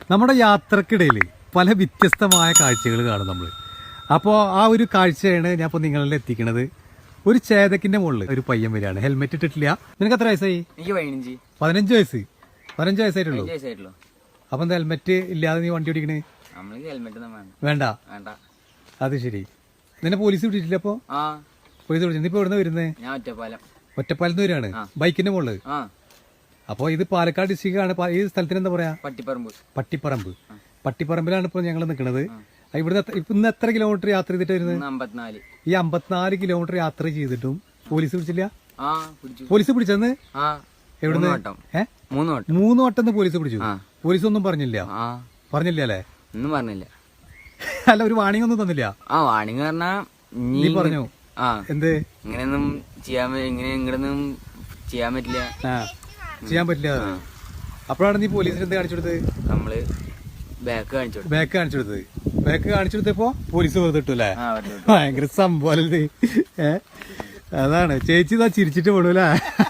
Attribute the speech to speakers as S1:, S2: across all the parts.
S1: നമ്മുടെ യാത്രക്കിടയിൽ പല വ്യത്യസ്തമായ കാഴ്ചകൾ കാണും നമ്മൾ. അപ്പോൾ ആ ഒരു കാഴ്ചയാണ് ഞാൻ ഇപ്പോൾ നിങ്ങളിൽ എത്തിക്കുന്നത്. ഒരു ചേതക്കിന്റെ മുകളിൽ ഒരു പയ്യൻ വരികയാണ്, ഹെൽമെറ്റ് ഇട്ടിട്ടില്ല. നിനക്ക് എത്ര വയസ്സായി?
S2: എനിക്ക്
S1: 15 വയസ്സ്. 15 വയസ്സായിട്ടുള്ളൂ. അപ്പൊ എന്താ ഹെൽമെറ്റ് ഇല്ലാതെ നീ വണ്ടി ഓടിക്കണേ? വേണ്ട. അത് ശരി. നിന്നെ പോലീസ് പിടിച്ചിട്ടില്ല? അപ്പൊ പോലീസ് പിടിച്ചു. നീ ഇപ്പൊ എവിടെ വരുന്നേ? ഒറ്റപ്പാലത്ത് വരികയാണ്, ബൈക്കിന്റെ മുകളിൽ. അപ്പൊ ഇത് പാലക്കാട് ഡിസ്ട്രിക്റ്റ് ആണ്. ഈ സ്ഥലത്തിന് എന്താ പറയാ? പട്ടിപ്പറമ്പ്. പട്ടിപ്പറമ്പിലാണ് ഇപ്പൊ ഞങ്ങൾ നിൽക്കുന്നത്. ഇവിടുന്ന് ഇന്ന് എത്ര കിലോമീറ്റർ യാത്ര ചെയ്തിട്ട് വരുന്നത്? ഈ 54 കിലോമീറ്റർ യാത്ര ചെയ്തിട്ടും പോലീസ് പിടിച്ചില്ല? പോലീസ് പിടിച്ചെന്ന് എവിടുന്ന്? 3 വട്ടം പോലീസ് പിടിച്ചു. പോലീസ് ഒന്നും പറഞ്ഞില്ല? പറഞ്ഞില്ല അല്ലേ?
S2: ഒന്നും പറഞ്ഞില്ല.
S1: അല്ല, ഒരു വാണിംഗ് ഒന്നും തന്നില്ല?
S2: വാണിംഗ് പറഞ്ഞാ
S1: നീ പറഞ്ഞു എന്ത്
S2: ഇങ്ങനെയൊന്നും ഇങ്ങനൊന്നും ചെയ്യാൻ പറ്റില്ല.
S1: ചെയ്യാൻ പറ്റില്ല. അപ്പോഴാണ് നീ പോലീസിന് എന്ത് കാണിച്ചു കൊടുത്തത്?
S2: നമ്മള് ബാക്ക്
S1: കാണിച്ചു കൊടുത്തത്. ബാക്ക് കാണിച്ചു കൊടുത്തപ്പോ പോലീസ് വെറുതെ ഇട്ടു അല്ലേ? ഭയങ്കര സംഭവം. അതാണ് ചേച്ചി ഇതാ ചിരിച്ചിട്ട് പോണൂല്ലേ?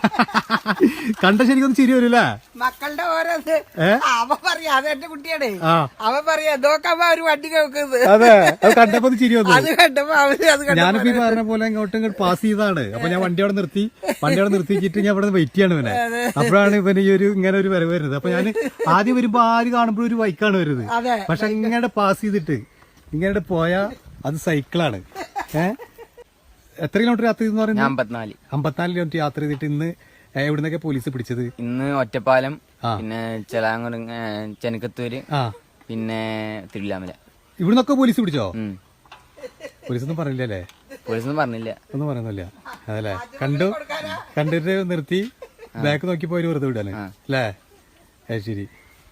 S1: കണ്ട ശരിക്കൊന്നും ചിരി വരൂല്ലേ?
S3: മക്കളുടെ ഓരോന്ന് അവൻ പറയാ അതെന്റെ കുട്ടിയാണേ. അവൻ പറയാ നോക്കാമ്പോ അവര് വണ്ടി നോക്കുന്നത്.
S1: അതെ, അത് കണ്ടപ്പോ ചിരി വന്നു.
S3: അത് കണ്ടപ്പോ
S1: ഞാനിപ്പോ ഈ പറഞ്ഞ പോലെ ഇങ്ങോട്ടും പാസ് ചെയ്താണ്. അപ്പൊ ഞാൻ വണ്ടി അവിടെ നിർത്തിച്ചിട്ട് ഞാൻ ഇവിടെ വെയിറ്റ് ചെയ്യാണ് ഇവനെ. അപ്പോഴാണ് ഇവന് ഈ ഒരു ഇങ്ങനെ ഒരു വരവ് വരുന്നത്. അപ്പൊ ഞാൻ ആദ്യം വരുമ്പോ ആര് കാണുമ്പോഴും ഒരു ബൈക്കാണ് വരുന്നത്. പക്ഷെ ഇങ്ങനെ പാസ് ചെയ്തിട്ട് ഇങ്ങനെ പോയാ അത് സൈക്കിളാണ്. എത്ര കിലോമീറ്റർ യാത്ര ചെയ്തെന്ന് പറയുന്നത്? 54 കിലോമീറ്റർ യാത്ര ചെയ്തിട്ട് ഇന്ന് എവിടുന്നൊക്കെ പോലീസ് പിടിച്ചത്?
S2: ഇന്ന് ഒറ്റപ്പാലം, പിന്നെ ചെലാങ്കുളം, ചെനക്കത്തൂര്, പിന്നെ തിരുവില്ലാമല.
S1: ഇവിടുന്നൊക്കെ പോലീസ് പിടിച്ചോ? പോലീസൊന്നും പറഞ്ഞില്ലല്ലേ? ഒന്നും പറയുന്നില്ല അതല്ലേ? കണ്ടിട്ട് നിർത്തി ബാക്ക് നോക്കി പോയി വെറുതെ വിടാന് അല്ലേ? ശരി.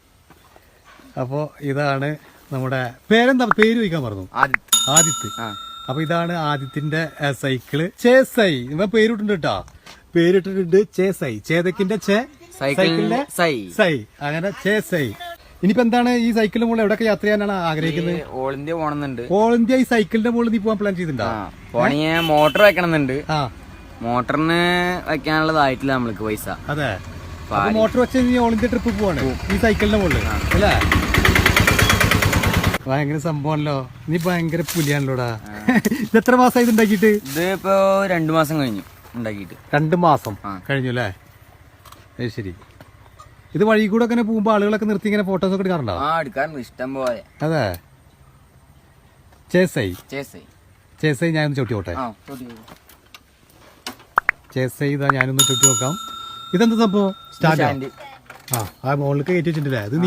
S1: അപ്പോ ഇതാണ് നമ്മുടെ പേരെന്താ? പേര് ചോദിക്കാൻ പറഞ്ഞു. ആദിത്ത്. അപ്പൊ ഇതാണ് ആദിത്യന്റെ സൈക്കിള്. ചേസൈ ഇവ പേരിട്ടുണ്ട് കേട്ടോ. പേരിട്ടിട്ടുണ്ട് ചേസൈ. ചേതക്കിന്റെ സൈക്കിളിന്റെ സൈ. അങ്ങനെ ചേസൈ. ഇനിയിപ്പോ എന്താണ് ഈ സൈക്കിളിന്റെ മുകളിൽ എവിടെയൊക്കെ യാത്ര ചെയ്യാനാണ് ആഗ്രഹിക്കുന്നത്?
S2: ഓൾ ഇന്ത്യ പോകണമെന്നുണ്ട്.
S1: ഓൾ ഇന്ത്യ ഈ സൈക്കിളിന്റെ മുകളിൽ നീ പോകാൻ പ്ലാൻ ചെയ്തിട്ടുണ്ടോ?
S2: പോണെങ്കിൽ മോട്ടർ വെക്കണമെന്നുണ്ട്. മോട്ടറിന് വെക്കാനുള്ളതായിട്ടില്ല നമ്മൾക്ക് പൈസ.
S1: അതെ, മോട്ടർ വെച്ച് നീ ഓൾ ഇന്ത്യ ട്രിപ്പ് പോവാണ് ഈ സൈക്കിളിന്റെ മുകളിൽ അല്ലേ? ഭയങ്കര സംഭവമല്ലോ. നീ ഭയങ്കര പുലിയാണല്ലോടാ. ഇത് എത്ര മാസമായി ഉണ്ടാക്കിയിട്ട്?
S2: ഇത് ഇപ്പൊ 2 മാസം കഴിഞ്ഞു ഉണ്ടാക്കിയിട്ട്.
S1: 2 മാസം കഴിഞ്ഞു അല്ലേ? ശരി. ഇത് വഴി കൂടെ ഒക്കെ പോകുമ്പോ ആളുകളൊക്കെ നിർത്തി ഇങ്ങനെ ഫോട്ടോസ് ഒക്കെ എടുക്കാറുണ്ടോ?
S2: എടുക്കാറുണ്ട്, ഇഷ്ടം പോലെ.
S1: അതെ. ചേസൈ ഞാനൊന്ന് ചവിട്ടി നോട്ടെ. ചേസൈ ഇതാ ഞാനൊന്ന് ചവിട്ടി നോക്കാം. ഇതെന്താ സംഭവം? സ്റ്റാൻഡ്. ആ മുകളിലേക്ക് കയറ്റി വെച്ചിട്ടില്ലേ? അത്